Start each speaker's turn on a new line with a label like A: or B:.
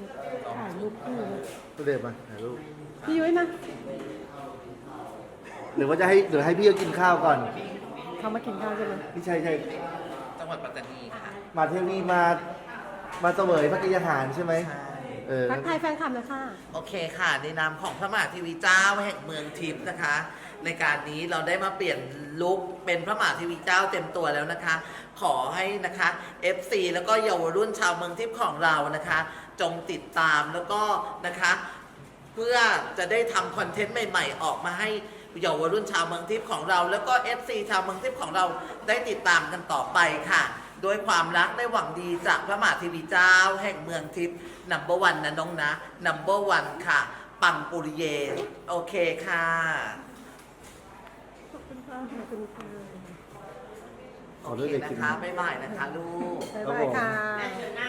A: ถ่ายรูปคู่เลย
B: ตัวเด็บมาถ่ายรูป
A: พี่ยุ้ยมา
B: หรือว่าจะให้หรือให้พี่เขากินข้าวก่อน
A: เขามากินข้าวใช่ไหม
B: พี่ชัย
C: จังหวัดปัตตานีค่ะ
B: มาเที่ยวนี้มาเสวยพระกิยาหารใช่ไหม
C: ใช่
A: ทักทายแฟนคลับหนะค่ะ
C: โอเคค่ะ ในนามของพระมหาเทวีเจ้าแห่งเมืองทิพย์นะคะ ในการนี้เราได้มาเปลี่ยนลุคเป็นพระมหาเทวีเจ้าเต็มตัวแล้วนะคะ ขอให้นะคะ FC แล้วก็เยาวรุ่นชาวเมืองทิพย์ของเรานะคะ จงติดตามแล้วก็นะคะ เพื่อจะได้ทำคอนเทนต์ใหม่ๆ ออกมาให้เยาวรุ่นชาวเมืองทิพย์ของเรา แล้วก็ FC ชาวเมืองทิพย์ของเราได้ติดตามกันต่อไปค่ะโดยความรักได้หวังดีจากพระมหาเทวีเจ้าแห่งเมืองทิพย์No.1นะน้องนะ No.1ค่ะ ปังปุริเยโอเคค่ะ
A: ขอบคุณค่ะขอบคุณค่ะ
B: ขอ
C: โอ
B: ด้วย
C: เค
B: เด็ก
C: นะ
B: กิน
C: คะบ๊ายบายนะคะลูก
A: บ๊ายบายค่ะ
D: เดินหน้า